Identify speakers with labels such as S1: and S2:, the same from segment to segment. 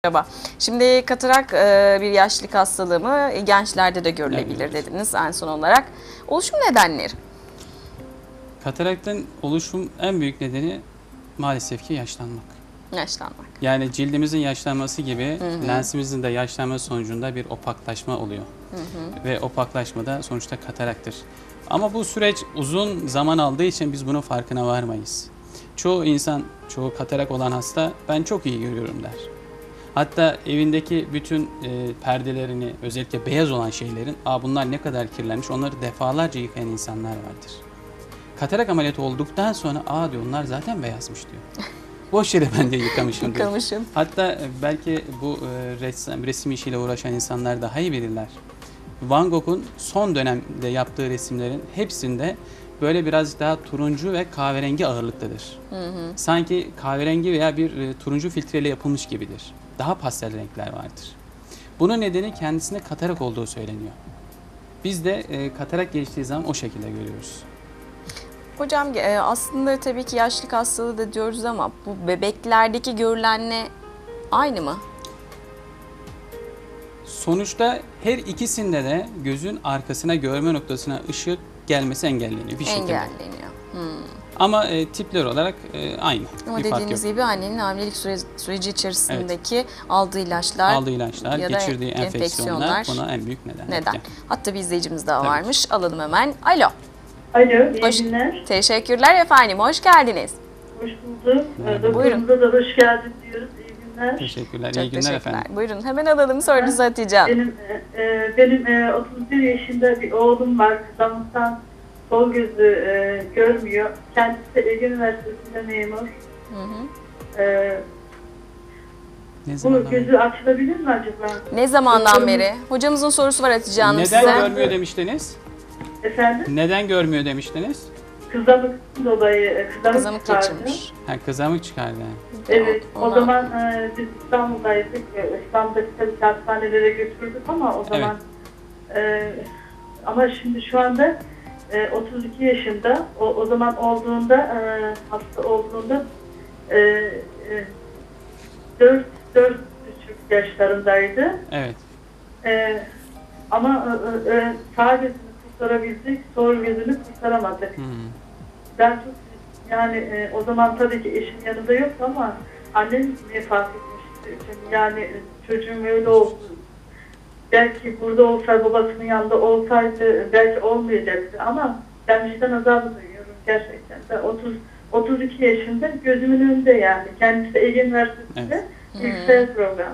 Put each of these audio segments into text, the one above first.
S1: Merhaba. Şimdi katarak bir yaşlılık hastalığı mı? Gençlerde de görülebilir
S2: Evet.
S1: dediniz en son olarak. Oluşum nedenleri?
S2: Kataraktın oluşum en büyük nedeni maalesef ki yaşlanmak.
S1: Yaşlanmak.
S2: Yani cildimizin yaşlanması gibi lensimizin de yaşlanması sonucunda bir opaklaşma oluyor. Ve opaklaşma da sonuçta kataraktır. Ama bu süreç uzun zaman aldığı için biz bunun farkına varmayız. Çoğu insan, çoğu katarak olan hasta ben çok iyi görüyorum der. Hatta evindeki bütün perdelerini, özellikle beyaz olan şeylerin, bunlar ne kadar kirlenmiş, onları defalarca yıkayan insanlar vardır. Katarak ameliyatı olduktan sonra diyor onlar zaten beyazmış diyor. Boş yere ben de yıkamışım diyor.
S1: Yıkamışım.
S2: Hatta belki bu resim işiyle uğraşan insanlar daha iyi bilirler. Van Gogh'un son dönemde yaptığı resimlerin hepsinde böyle biraz daha turuncu ve kahverengi ağırlıktadır. Sanki kahverengi veya bir turuncu filtreyle yapılmış gibidir. Daha pastel renkler vardır. Bunun nedeni kendisine katarak olduğu söyleniyor. Biz de katarak geliştiği zaman o şekilde görüyoruz.
S1: Hocam aslında tabii ki yaşlılık hastalığı da diyoruz ama bu bebeklerdeki görülenle aynı mı?
S2: Sonuçta her ikisinde de gözün arkasına, görme noktasına ışık gelmesi engelleniyor bir şekilde.
S1: Engelleniyor.
S2: Ama tipler olarak aynı.
S1: Ama
S2: bir fark yok.
S1: dediğiniz gibi annenin hamilelik süreci içerisindeki aldığı ilaçlar,
S2: Aldığı ilaçlar,
S1: ya da
S2: geçirdiği enfeksiyonlar buna en büyük neden.
S1: Neden? Hatta bir izleyicimiz daha
S2: Tabii
S1: varmış. Alalım hemen. Alo.
S3: Alo, iyi günler.
S1: Teşekkürler efendim. Hoş geldiniz.
S3: Hoş bulduk.
S2: Merhaba.
S3: Doktorumuza da hoş geldin diyoruz. İyi günler.
S2: Teşekkürler.
S1: Çok
S2: İyi günler
S1: teşekkürler.
S2: efendim.
S1: Buyurun hemen alalım sorunuzu Hatice Hanım.
S3: Benim 31 yaşında bir oğlum var. Kızamıktan sol gözü görmüyor. Kendisi Ege Üniversitesi'nde memur.
S2: Ne
S3: Bu
S2: zamandan
S3: gözü açılabilir mi acaba?
S1: Ne zamandan
S3: Doktorumuz-
S1: beri? Hocamızın sorusu var Hatice Hanım
S2: Neden
S1: size.
S2: görmüyor demiştiniz?
S3: Efendim?
S2: Neden görmüyor demiştiniz?
S3: Kızamıktan dolayı
S1: Kızamık
S3: çıkardı.
S1: geçirmiş.
S2: Kızamık çıkardı.
S3: Evet, o
S1: Ona-
S3: zaman biz İstanbul'daydık. İstanbul'daki tabii ki hastanelere götürdük ama o zaman ama şimdi şu anda 32 yaşında. O zaman olduğunda hasta olduğunda 4,5 yaşlarındaydı.
S2: Evet.
S3: Ama sağ gözünü kurtarabildik, sol gözünü kurtaramadık. Ben çok yani o zaman tabii ki eşim yanında yoktu ama annem vefat etmişti. Yani çocuğum öyle oldu. Belki burada olsaydı, babasının yanında olsaydı belki olmayacaktı ama ben vicdan azabı duyuyorum gerçekten. Ben 32 yaşında gözümün önünde yani. Kendisi Ege Üniversitesi'nde yüksek program.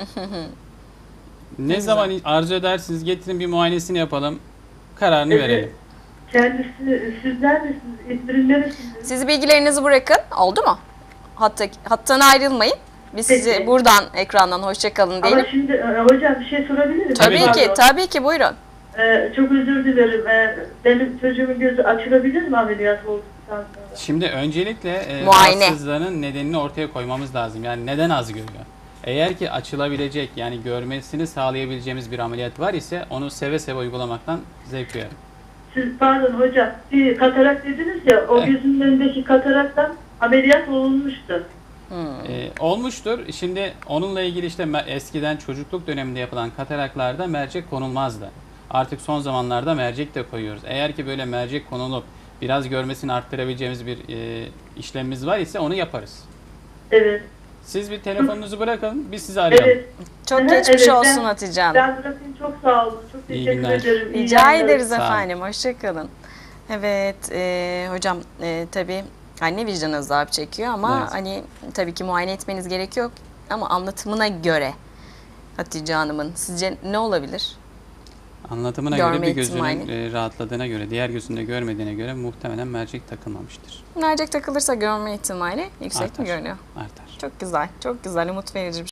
S2: Ne zaman arzu edersiniz getirin bir muayenesini yapalım. Kararını verelim.
S3: Kendisi sizler misiniz? İzmir'in neresiniz?
S1: Siz bilgilerinizi bırakın. Oldu mu? Hattan ayrılmayın. Biz sizi
S3: Peki.
S1: buradan ekrandan hoşça kalın diyelim.
S3: Ama şimdi hocam bir şey sorabilir miyim?
S1: Tabii ki,
S3: Pardon.
S1: tabii ki buyurun.
S3: Çok özür dilerim. Benim çocuğumun gözü açılabilir mi ameliyat olduktan sonra?
S2: Şimdi öncelikle
S1: Muayene.
S2: rahatsızlığının nedenini ortaya koymamız lazım. Yani neden az görüyor? Eğer ki açılabilecek yani görmesini sağlayabileceğimiz bir ameliyat var ise onu seve seve uygulamaktan zevk duyarım.
S3: Siz pardon hocam, bir katarak dediniz ya, o gözünün önündeki kataraktan ameliyat olunmuştu.
S2: Olmuştur. Şimdi onunla ilgili işte eskiden çocukluk döneminde yapılan kataraklarda mercek konulmazdı. Artık son zamanlarda mercek de koyuyoruz. Eğer ki böyle mercek konulup biraz görmesini arttırabileceğimiz bir işlemimiz var ise onu yaparız.
S3: Evet.
S2: Siz bir telefonunuzu bırakın, biz sizi arayalım.
S3: Evet.
S1: Çok
S3: Hı hı,
S1: geçmiş
S3: evet,
S1: olsun Hatice Hanım.
S3: Ben bırakayım, çok sağ olun. Çok
S2: İyi
S3: teşekkür
S2: günler.
S3: ederim. İyi
S1: Rica
S3: yayınlar.
S1: ederiz
S2: Sağ olun.
S1: efendim. Hoşça kalın. Evet hocam tabii anne vicdan azabı çekiyor ama
S2: Evet.
S1: hani tabii ki muayene etmeniz gerekiyor ama anlatımına göre Hatice Hanım'ın sizce ne olabilir?
S2: Anlatımına
S1: Görme
S2: göre bir gözünün
S1: ihtimali.
S2: rahatladığına göre, diğer gözünde görmediğine göre muhtemelen mercek takılmamıştır.
S1: Mercek takılırsa görme ihtimali yüksek mi
S2: Artar.
S1: görünüyor?
S2: Artar.
S1: Çok güzel, çok güzel, umut verici bir